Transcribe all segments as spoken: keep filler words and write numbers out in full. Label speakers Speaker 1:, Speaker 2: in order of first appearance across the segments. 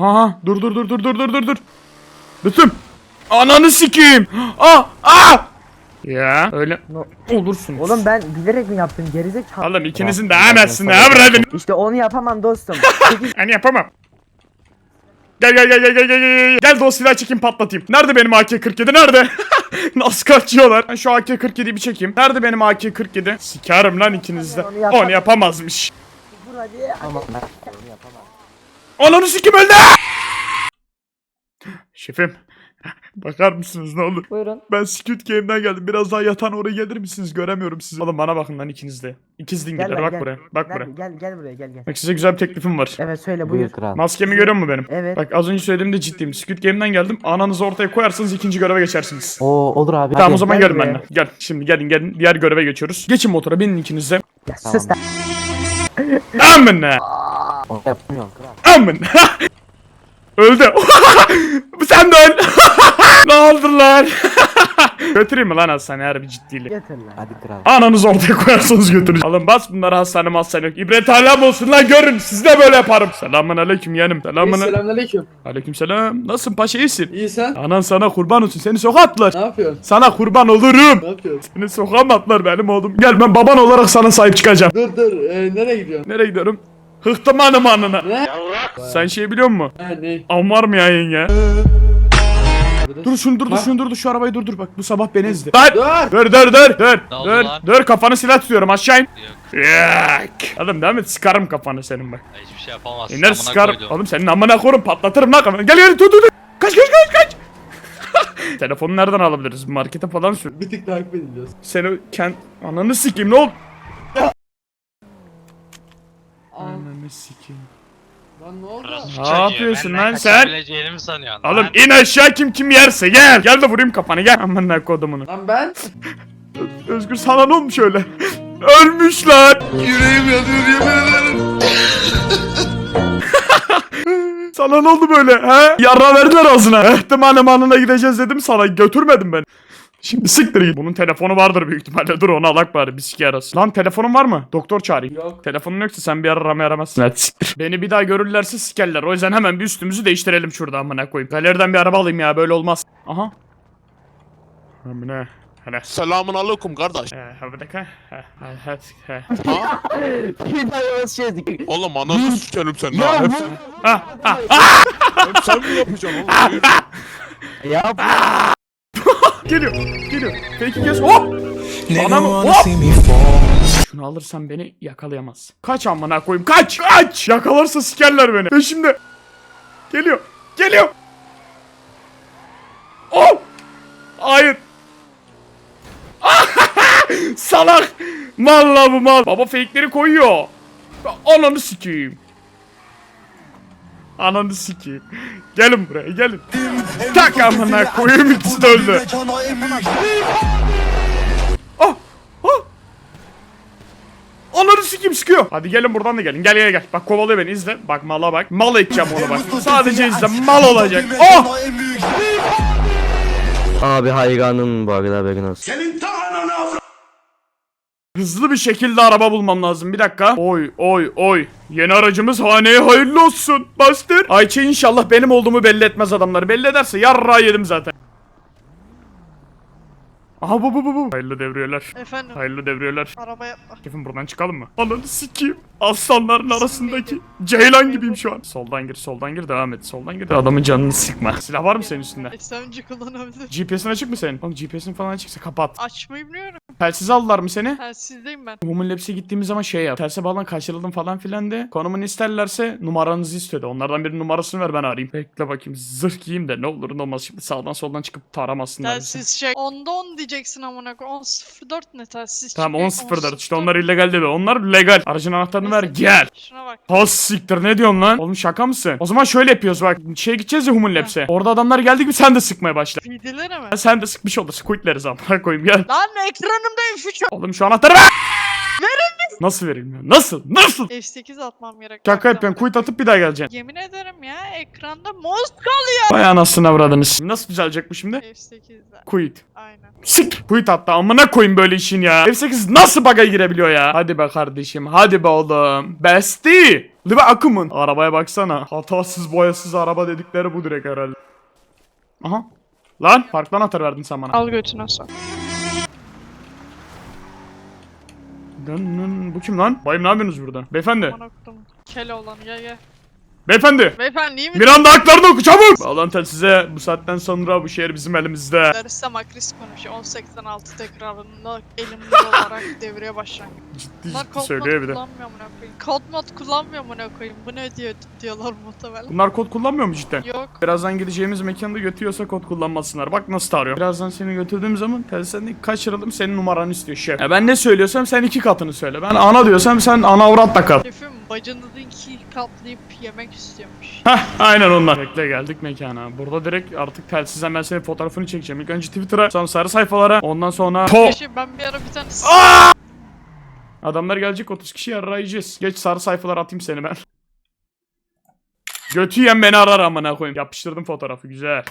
Speaker 1: Aha dur dur dur dur dur dur dur dur. Lütfüm. Ananı sikeyim. Aa aa. Ya öyle
Speaker 2: No.
Speaker 1: olursunuz.
Speaker 2: Oğlum ben bilerek mi yaptım gerizekalı?
Speaker 1: Oğlum ikinizin de hemensin ne yapradın?
Speaker 2: İşte onu yapamam dostum. Sekiz-
Speaker 1: Hani yapamam. Gel gel gel gel gel gel gel. Gel de o silahı çekeyim patlatayım. Nerede benim A K kırk yedi nerede? Nasıl kaçıyorlar? Ben şu A K kırk yediyi bir çekeyim. Nerede benim A K kırk yedi? Sikerim lan ikiniz de.
Speaker 2: Onu yapamam.
Speaker 1: Onu yapamazmış.
Speaker 2: Vur hadi. Ama ben onu yapamam.
Speaker 1: Ananı sikim öldü. Şefim. Bakar mısınız ne olur?
Speaker 2: Buyurun.
Speaker 1: Ben Squid Game'den geldim. Biraz daha yatan oraya gelir misiniz? Göremiyorum sizi. Oğlum bana bakın lan ikiniz de. İkiz
Speaker 2: Gel
Speaker 1: dingiller
Speaker 2: lan,
Speaker 1: bak
Speaker 2: gel.
Speaker 1: buraya. Bak
Speaker 2: Gel,
Speaker 1: buraya.
Speaker 2: gel gel buraya gel gel.
Speaker 1: Bak size güzel bir teklifim var.
Speaker 2: Evet söyle
Speaker 3: Buyur
Speaker 2: buyur.
Speaker 3: kral.
Speaker 1: Maskemi görüyor musun benim?
Speaker 2: Evet.
Speaker 1: Bak az önce söylediğimde ciddiyim. Squid Game'den geldim. Ananızı ortaya koyarsanız ikinci göreve geçersiniz.
Speaker 3: Oo olur abi.
Speaker 1: Tamam
Speaker 3: hadi.
Speaker 1: o zaman
Speaker 2: gel
Speaker 1: gelin
Speaker 2: buraya.
Speaker 1: benimle. Gel şimdi gelin gelin. Diğer göreve geçiyoruz. Geçin motora binin ikiniz de.
Speaker 2: Ya sus lan.
Speaker 1: Amına.
Speaker 3: Onu yapmıyorum kral.
Speaker 1: Amına. Öldü. Sen de öl. Ne oldu lan? Götüreyim mi lan hastaneye harbi ciddiyle?
Speaker 2: Getir lan.
Speaker 3: Hadi kral.
Speaker 1: Ananızı ortaya koyarsanız götürün. Alın bas bunları hastane hastane yok. İbret alem olsun lan görün. Siz de böyle yaparım. Selamun aleyküm yeğenim. Selamun aleyküm.
Speaker 4: Selamünaleyküm.
Speaker 1: Aleyküm selam. Nasılsın paşa iyisin?
Speaker 4: İyi sen?
Speaker 1: Anan sana kurban olsun. Seni sokağa attılar.
Speaker 4: Ne yapıyorsun?
Speaker 1: Sana kurban olurum.
Speaker 4: Ne yapıyorsun?
Speaker 1: Seni sokağa mı attılar benim oğlum? Gel ben baban olarak sana sahip çıkacağım.
Speaker 4: Dur dur. Ee, nereye gidiyorsun?
Speaker 1: Nereye gidiyorum? Hıhtım hanım hanına.
Speaker 4: Ne?
Speaker 1: Sen şey biliyor musun?
Speaker 4: Ha ne?
Speaker 1: Am var mı ya yenge?
Speaker 4: Dur.
Speaker 1: Dur şunu dur dur
Speaker 4: Bak.
Speaker 1: şunu dur dur şu arabayı dur dur bak bu sabah beni ezdi. Lan!
Speaker 4: Dur.
Speaker 1: Dur dur dur dur
Speaker 5: Ne oldu
Speaker 1: dur
Speaker 5: lan?
Speaker 1: dur kafanı silah tutuyorum aşağı in.
Speaker 5: Yok.
Speaker 1: Yak. Oğlum devam et sıkarım kafanı senin bak.
Speaker 5: Hiçbir şey yapamazsın.
Speaker 1: İner
Speaker 5: amına
Speaker 1: sıkarım.
Speaker 5: koydum.
Speaker 1: Oğlum senin amına korum patlatırım lan kafanı. Gel gel dur dur dur. Kaç kaç kaç kaç. Telefonu nereden alabiliriz? Markete falan sür.
Speaker 4: Bir tık takip ediliyoruz.
Speaker 1: Seni kend... Ananı sikeyim ne oldu?
Speaker 4: Aa,
Speaker 1: Ananı sikeyim.
Speaker 4: lan ne oldu?
Speaker 5: Orası
Speaker 1: Ne
Speaker 5: çocuğu,
Speaker 1: yapıyorsun
Speaker 5: benden
Speaker 1: lan sen?
Speaker 5: kaçabileceğini mi sanıyorsun
Speaker 1: Oğlum
Speaker 5: lan?
Speaker 1: in aşağı kim kim yerse gel. Gel de vurayım kafanı gel. Aman ne kodumunu.
Speaker 4: Lan ben?
Speaker 1: Özgür sana ne olmuş öyle? Ölmüş lan.
Speaker 4: Yüreğim yanıyor yemin ederim.
Speaker 1: Sana ne oldu böyle he? Yarra verdiler ağzına. Ehtimalim anına gideceğiz dedim sana götürmedim ben. Şimdi siktir git. Bunun telefonu vardır büyük ihtimalle. Dur onu alak bari bir siki arasın. Lan telefonun var mı? Doktor çağırayım.
Speaker 4: Yok.
Speaker 1: Telefonun yoksa sen bir ara aramaya aramazsın. Hadi siktir. Beni bir daha görürlerse sikerler. O yüzden hemen bir üstümüzü değiştirelim şurada amına koyayım. Galeriden bir araba alayım ya böyle olmaz. Aha. Amına. Hele.
Speaker 6: Selamun aleyküm kardeş.
Speaker 1: Ee, bir dakika. He, he, he, he.
Speaker 6: Ha?
Speaker 2: Bir daha yavaş çizdik.
Speaker 6: Oğlum ananı sikerim sen.
Speaker 2: Ya
Speaker 6: Ha, hep,
Speaker 2: bu.
Speaker 1: Ah, ah, ah!
Speaker 6: hep sen mi yapacaksın oğlum? Yürü.
Speaker 2: Ya
Speaker 1: Geliyor, geliyor. Peki kes. Hop! Bana mı? Hop! Şunu alırsan beni yakalayamaz. Kaç amına koyayım. Kaç! Kaç! Yakalarsa sikerler beni. Peşimde. Geliyor. Geliyor. Oh! Hayır. Salak. Mal la bu mal. Baba fake'leri koyuyor. Ananı sikeyim. Ananı sikeyim. Gelin buraya gelin. Tak amına koyayım ikisi de öldü. Ah! Ah! Ananı sikeyim sıkıyor. Hadi gelin buradan da gelin. Gel gel gel. Bak kovalıyor beni izle. Bak mala bak. Mal edeceğim onu bak. Sadece izle. Mal olacak. Oh!
Speaker 3: Abi hayranım bu arada haberin olsun.
Speaker 1: Hızlı bir şekilde araba bulmam lazım. Bir dakika. Oy oy oy. Yeni aracımız haneye hayırlı olsun. Bastır. Ayça inşallah benim olduğumu belli etmez adamları. Belli ederse yarra yedim zaten. Aha bu bu bu bu. Hayırlı devriyeler.
Speaker 7: Efendim,
Speaker 1: Hayırlı devriyeler.
Speaker 7: araba yapma.
Speaker 1: Şefim buradan çıkalım mı? Ananı sikeyim. Aslanların arasındaki ceylan gibiyim şu an. Soldan gir, soldan gir, devam et. Soldan gir. Adamın canını sıkma. Silah var mı senin üstünde?
Speaker 7: S M G kullanabilir.
Speaker 1: G P S'in açık mı senin? Oğlum G P S'in falan açıksa kapat.
Speaker 7: Açmayı biliyorum.
Speaker 1: Telsiz aldılar mı seni?
Speaker 7: Telsizdeyim ben.
Speaker 1: Human Labs'e gittiğimiz zaman şey yap. Terse bağlan kaçırıldım falan filan de. Konumunu isterlerse numaranızı istedi. Onlardan birinin numarasını ver ben arayayım. Bekle bakayım zırh giyeyim de ne olur ne olmaz. Şimdi sağdan soldan çıkıp taramasınlar bizi.
Speaker 7: Telsiz şey. Onda on diyeceksin amına koy. on sıfır dört ne telsiz?
Speaker 1: Tamam
Speaker 7: çıkıyor?
Speaker 1: on sıfır dört işte
Speaker 7: on
Speaker 1: onlar illegal dedi. Onlar legal. Aracın anahtarını ver
Speaker 7: Neyse,
Speaker 1: gel.
Speaker 7: Şuna bak.
Speaker 1: Has siktir ne diyorsun lan? Oğlum şaka mısın? O zaman şöyle yapıyoruz bak. Şeye gideceğiz ya Human Labs'e. Orada adamlar geldi gibi sen de sıkmaya başla.
Speaker 7: Videoları mı?
Speaker 1: Ya sen de sıkmış olursun. Quitleriz amına koyayım gel.
Speaker 7: Lan ekranımda F üç.
Speaker 1: Oğlum şu anahtarı ver. Nasıl verilmiyor? Nasıl? Nasıl?
Speaker 7: F sekiz atmam gerek.
Speaker 1: Şaka
Speaker 7: Bak,
Speaker 1: yapıyorsun. Kuyut atıp bir daha geleceksin.
Speaker 7: Yemin ederim ya ekranda mouse kalıyor.
Speaker 1: Vay anasını avradınız. Nasıl düzelecek bu şimdi?
Speaker 7: F sekizde.
Speaker 1: Kuyut.
Speaker 7: Aynen.
Speaker 1: Sik. Kuyut attı. Amına koyayım böyle işin ya. F sekiz nasıl bug'a girebiliyor ya? Hadi be kardeşim. Hadi be oğlum. Bestie. Live akımın. Arabaya baksana. Hatasız boyasız araba dedikleri bu direkt herhalde. Aha. Lan farklı anahtar verdin sen bana.
Speaker 7: Al götüne sok.
Speaker 1: Dın dın. Bu kim lan? Bayım ne yapıyorsunuz burada? Beyefendi.
Speaker 7: Aman okudum. Kel olan gel gel.
Speaker 1: Beyefendi.
Speaker 7: Beyefendi iyi mi?
Speaker 1: Miranda haklarını oku çabuk. Bağlantı size bu saatten sonra bu şehir bizim elimizde.
Speaker 7: Larissa Makris konuşuyor. on seksen altı tekrarında elimde olarak devreye başlangıç.
Speaker 1: Ciddi
Speaker 7: Bunlar
Speaker 1: ciddi
Speaker 7: kod
Speaker 1: söylüyor
Speaker 7: mod
Speaker 1: bir de.
Speaker 7: kullanmıyor mu ne koyayım? Kod mod kullanmıyor mu ne koyayım? Bu ne diyor diyorlar muhtemelen.
Speaker 1: Bunlar kod kullanmıyor mu cidden?
Speaker 7: Yok.
Speaker 1: Birazdan gideceğimiz mekanda götürüyorsa kod kullanmasınlar. Bak nasıl tarıyor. Birazdan seni götürdüğüm zaman telsizden kaçıralım senin numaranı istiyor şef. Ya ben ne söylüyorsam sen iki katını söyle. Ben ana diyorsam sen ana avrat da kal.
Speaker 7: Şefim bacınızı iki katlayıp yemek istiyormuş.
Speaker 1: Heh aynen onlar. Bekle geldik mekana. Burada direkt artık telsizden ben senin fotoğrafını çekeceğim. İlk önce Twitter'a, sonra sarı sayfalara, ondan sonra po.
Speaker 7: Şefim ben bir ara bir tane
Speaker 1: Adamlar gelecek otuz kişi arayacağız. Geç sarı sayfalara atayım seni ben. Götü yiyen beni arar amına koyayım. Yapıştırdım fotoğrafı güzel.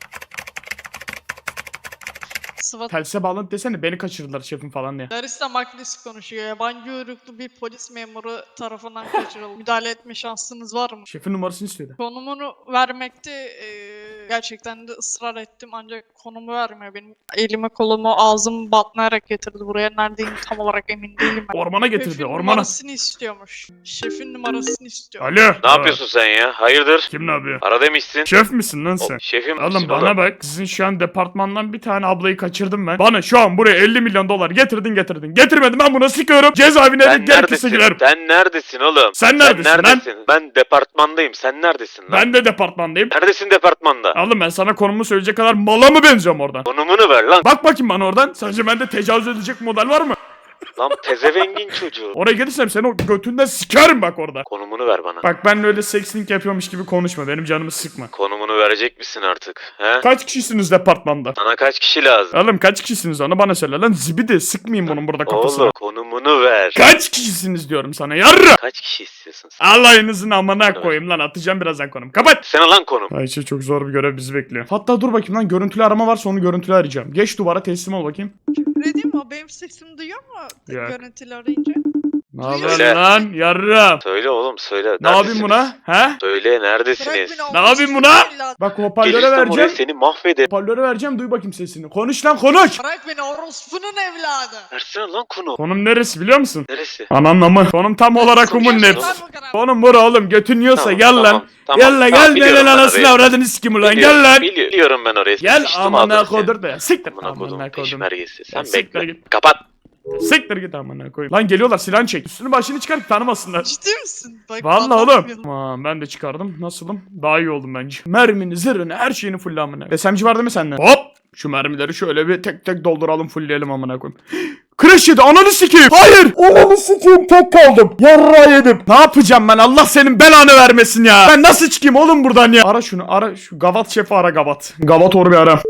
Speaker 7: SWAT.
Speaker 1: Telsize bağlanıp desene beni kaçırdılar şefim falan diye.
Speaker 7: Larissa Makris konuşuyor. Yabancı uyruklu bir polis memuru tarafından kaçırıldı. Müdahale etme şansınız var mı?
Speaker 1: Şefin numarasını istedi.
Speaker 7: Konumunu vermekte eee, gerçekten de ısrar ettim ancak konumu vermiyor. Benim elimi kolumu ağzımı batmayarak getirdi buraya. Neredeyim tam olarak emin değilim ben.
Speaker 1: Ormana getirdi
Speaker 7: Şefin
Speaker 1: ormana.
Speaker 7: numarasını istiyormuş. Şefin numarasını istiyor.
Speaker 1: Alo.
Speaker 5: Ne yapıyorsun sen ya? Hayırdır?
Speaker 1: Kim ne yapıyor?
Speaker 5: Ara demişsin.
Speaker 1: Şef misin lan
Speaker 5: O,
Speaker 1: sen?
Speaker 5: şefim
Speaker 1: Oğlum
Speaker 5: misin
Speaker 1: bana bak, sizin şu an departmandan bir tane ablayı kaçırdım ben. Bana şu an buraya elli milyon dolar getirdin getirdin. Getirmedim ben buna sıkıyorum. Cezaevine de
Speaker 5: Sen
Speaker 1: gerekirse
Speaker 5: neredesin?
Speaker 1: girerim.
Speaker 5: Sen neredesin oğlum?
Speaker 1: Sen neredesin lan?
Speaker 5: neredesin? Ben departmandayım. Sen neredesin lan?
Speaker 1: Ben de departmandayım.
Speaker 5: Neredesin departmanda?
Speaker 1: Oğlum ben sana konumu söyleyecek kadar mala mı benziyorum oradan?
Speaker 5: Konumunu ver lan.
Speaker 1: Bak bakayım bana oradan. Sence bende tecavüz edecek model var mı?
Speaker 5: Lan tezevengin çocuğu.
Speaker 1: Oraya gelirsem seni o götünden sikerim bak orada.
Speaker 5: Konumunu ver bana.
Speaker 1: Bak ben öyle sexting yapıyormuş gibi konuşma. Benim canımı sıkma.
Speaker 5: Konumunu verecek misin artık? He?
Speaker 1: Kaç kişisiniz departmanda?
Speaker 5: Sana kaç kişi lazım?
Speaker 1: Oğlum kaç kişisiniz onu bana söyle lan zibidi sıkmayayım bunun burada kafasına.
Speaker 5: Oğlum konumunu ver.
Speaker 1: Kaç kişisiniz diyorum sana yarra.
Speaker 5: Kaç kişi istiyorsun sen?
Speaker 1: Allah'ınızın amına koyayım lan atacağım birazdan konum. Kapat.
Speaker 5: Sana lan konum.
Speaker 1: Ayşe çok zor bir görev bizi bekliyor. Hatta dur bakayım lan görüntülü arama varsa onu görüntülü arayacağım. Geç duvara teslim ol bakayım.
Speaker 7: Ne diyeyim o benim sesimi duyuyor mu?
Speaker 1: Yok.
Speaker 7: Söyle arayınca.
Speaker 1: Ne haber
Speaker 5: Söyle.
Speaker 1: lan yarram?
Speaker 5: Söyle oğlum söyle.
Speaker 1: Ne yapayım buna? He?
Speaker 5: Söyle
Speaker 7: Bırak
Speaker 5: neredesiniz?
Speaker 7: beni,
Speaker 1: Ne yapayım buna?
Speaker 7: evladım.
Speaker 1: Bak hoparlöre
Speaker 5: Gelirsem oraya
Speaker 1: vereceğim.
Speaker 5: seni mahvederim.
Speaker 1: Hoparlöre vereceğim duy bakayım sesini. Konuş lan konuş.
Speaker 7: Bırak beni orospunun evladı.
Speaker 5: Versene lan konu.
Speaker 1: Konum neresi biliyor musun?
Speaker 5: Neresi?
Speaker 1: Ananın amı. Konum tam olarak umun net.
Speaker 7: Gerçekten bu kadar.
Speaker 1: Konum bura oğlum götün yiyorsa
Speaker 5: Tamam,
Speaker 1: gel
Speaker 5: tamam,
Speaker 1: lan.
Speaker 5: tamam,
Speaker 1: Gel lan
Speaker 5: tamam,
Speaker 1: gel
Speaker 5: biliyorum
Speaker 1: lan
Speaker 5: ben
Speaker 1: anasını
Speaker 5: orayı.
Speaker 1: avradını sikim ulan
Speaker 5: Biliyorum,
Speaker 1: gel lan.
Speaker 5: bili- Biliyorum ben orayı.
Speaker 1: Gel
Speaker 5: Sıçtım
Speaker 1: amına
Speaker 5: ağzına seni.
Speaker 1: kodur da. Siktir.
Speaker 5: Amına kodum
Speaker 1: Amına kodum.
Speaker 5: peşmergesi. Sen
Speaker 1: Siktir
Speaker 5: bekle.
Speaker 1: git.
Speaker 5: Kapat.
Speaker 1: Siktir git amına koyayım. Lan geliyorlar silahını çek. Üstünü başını çıkar tanımasınlar.
Speaker 7: Ciddi misin? Bak,
Speaker 1: Vallahi
Speaker 7: anlatmıyorum.
Speaker 1: oğlum. Aman ben de çıkardım. Nasılım? Daha iyi oldum bence. Mermini, zırhını, her şeyini fulle amına. S M G var değil mi sende? Hop! Şu mermileri şöyle bir tek tek dolduralım, fullleyelim amına koyayım. Crash yedi, ananı sikeyim. Hayır! Ananı sikeyim, tek kaldım. Yarra yedim. Ne yapacağım ben? Allah senin belanı vermesin ya. Ben nasıl çıkayım oğlum buradan ya? Ara şunu, ara şu Gavat şefi ara Gavat. Gavat or bir ara.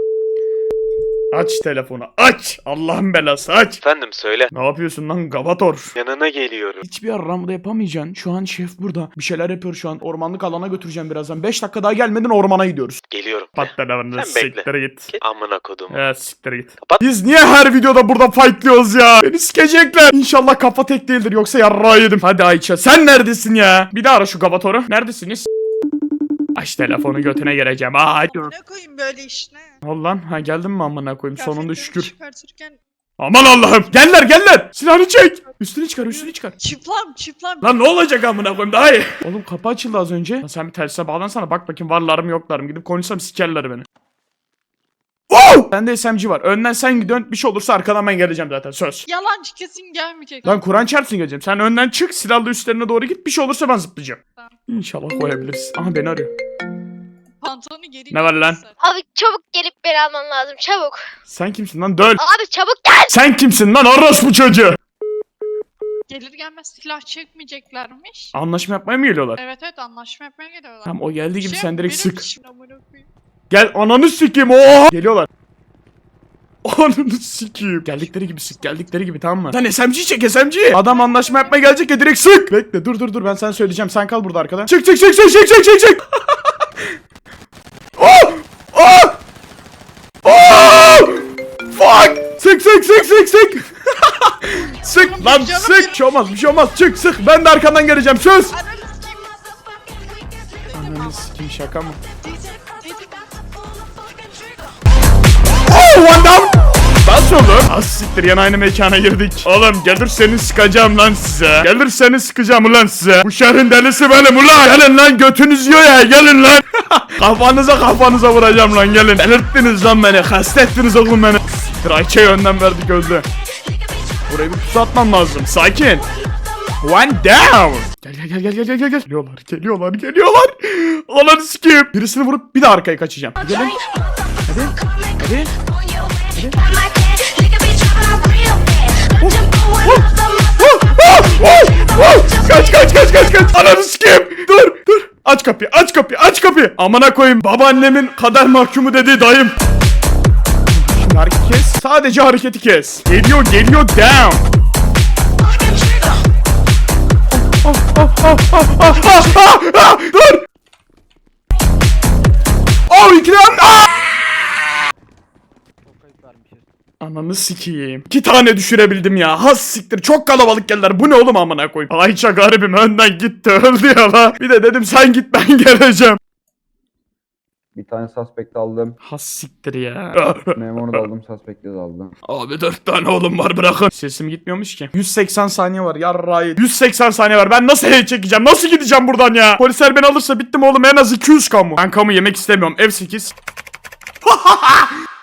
Speaker 1: Aç telefonu, aç. Allah'ın belası aç.
Speaker 5: Efendim söyle.
Speaker 1: Ne yapıyorsun lan Gavator?
Speaker 5: Yanına geliyorum.
Speaker 1: Hiçbir aramda yapamayacaksın. Şu an şef burada. Bir şeyler yapıyor şu an. Ormanlık alana götüreceğim birazdan. beş dakika daha gelmeden ormana gidiyoruz.
Speaker 5: Geliyorum.
Speaker 1: Patlalarını
Speaker 5: Sen bekle.
Speaker 1: siktir git.
Speaker 5: Amına kodum.
Speaker 1: Evet siktir git.
Speaker 5: Kapat.
Speaker 1: Biz niye her videoda burada fightlıyoruz ya? Beni sikecekler. İnşallah kafa tek değildir yoksa yarrağı yedim. Hadi Ayça sen neredesin ya? Bir daha ara şu Gavator'u. Neredesiniz? Aç telefonu götüne geleceğim. Aa,
Speaker 7: Ne koyayım böyle işine?
Speaker 1: ol lan. Ha geldin mi amına koyayım sonunda
Speaker 7: Kıyafetleri
Speaker 1: şükür.
Speaker 7: Çıkartırken
Speaker 1: Aman Allah'ım. Geller geller. Silahını çek. Üstünü çıkar üstünü çıkar.
Speaker 7: çıplam çıplam.
Speaker 1: Lan ne olacak amına koyayım daha iyi. Oğlum kapı açıldı az önce. Lan sen bir telsize bağlansana bak bakayım varlar mı yoklar mı. Gidip konuşsam sikerler beni. Oh! Bende S M G var. Önden sen gidiyorsun. Bir şey olursa arkadan ben geleceğim zaten. Söz.
Speaker 7: Yalancı kesin gelmeyecek.
Speaker 1: Lan Kur'an çarpsın geleceğim. Sen önden çık. Silahlı üstlerine doğru git. Bir şey olursa ben zıplayacağım.
Speaker 7: Tamam.
Speaker 1: İnşallah koyabiliriz. Aha beni arıyor.
Speaker 7: Pantolonu geri
Speaker 1: Ne var lan?
Speaker 7: giysen.
Speaker 8: Abi çabuk gelip beni alman lazım çabuk.
Speaker 1: Sen kimsin lan? Döl.
Speaker 8: Abi çabuk gel.
Speaker 1: Sen kimsin lan? Orospu çocuğu.
Speaker 7: Gelir gelmez silah çekmeyeceklermiş.
Speaker 1: Anlaşma yapmaya mı geliyorlar?
Speaker 7: Evet evet anlaşma yapmaya geliyorlar.
Speaker 1: Tamam o geldiği gibi
Speaker 7: Şey,
Speaker 1: sen direkt
Speaker 7: benim
Speaker 1: sık.
Speaker 7: işim, amına koyayım.
Speaker 1: Gel ananı sikeyim. Oha. Geliyorlar. Ananı sikeyim. Geldikleri gibi sık, geldikleri gibi, tamam mı? Sen S M G'yi çek, S M G'yi. Adam anlaşma yapmaya gelecek ya, direkt sık. Bekle, dur dur dur, ben sana söyleyeceğim. Sen kal burada arkada. Çık çık çık çık çık çık çık çık. Oh! Oh! Oh! Fuck! Sık sık sık sık sık. Sık lan,
Speaker 7: canım
Speaker 1: sık. Bir şey olmaz, bir şey olmaz. Çık sık. Ben de arkandan geleceğim. Söz. Ananı sikeyim, şaka mı? Oh, one down. Nasıl olur? Az siktir, yan aynı mekana girdik. Oğlum gelirseniz sıkacağım lan size. Gelirseniz sıkacağım ulan size. Bu şehrin delisi benim ulan. Gelin lan, götünüz yiyor ya, gelin lan. Kafanıza kafanıza vuracağım lan, gelin. Delirttiniz lan beni, hasta ettiniz oğlum beni. Siktir, Ayça'yı önden verdik, öldü. Burayı bir pusu atmam lazım, sakin. One down. Gel gel gel gel gel gel gel. Geliyorlar geliyorlar geliyorlar. Ananı sikeyim. Birisini vurup bir de arkaya kaçacağım. Gelin. Hadi. Hadi. Kaç kaç kaç kaç kaç. Ananı sikeyim. Dur dur. Aç kapıyı, aç kapıyı, aç kapıyı. Amına koyayım, babaannemin kader mahkumu dediği dayım. Şimdi hareketi kes. Sadece hareketi kes. Geliyor geliyor, down. Oh, oh, oh, oh, oh, oh, oh, oh. Dur. Oh, ikram. Ah! Ananı sikeyim. İki tane düşürebildim ya. Has siktir. Çok kalabalık geldiler. Bu ne oğlum amına koyayım. Ayça garibim önden gitti. Öldü ya la. Bir de dedim sen git, ben geleceğim.
Speaker 9: Bir tane suspect aldım.
Speaker 1: Has siktir ya.
Speaker 9: Memuru da aldım, suspect'i de aldım.
Speaker 1: Abi dört tane oğlum var, bırakın. Sesim gitmiyormuş ki. yüz seksen saniye var yarrayı. yüz seksen saniye var. Ben nasıl hey çekeceğim? Nasıl gideceğim buradan ya? Polisler beni alırsa bittim oğlum. En az iki yüz kamu. Ben kamu yemek istemiyorum. F sekiz.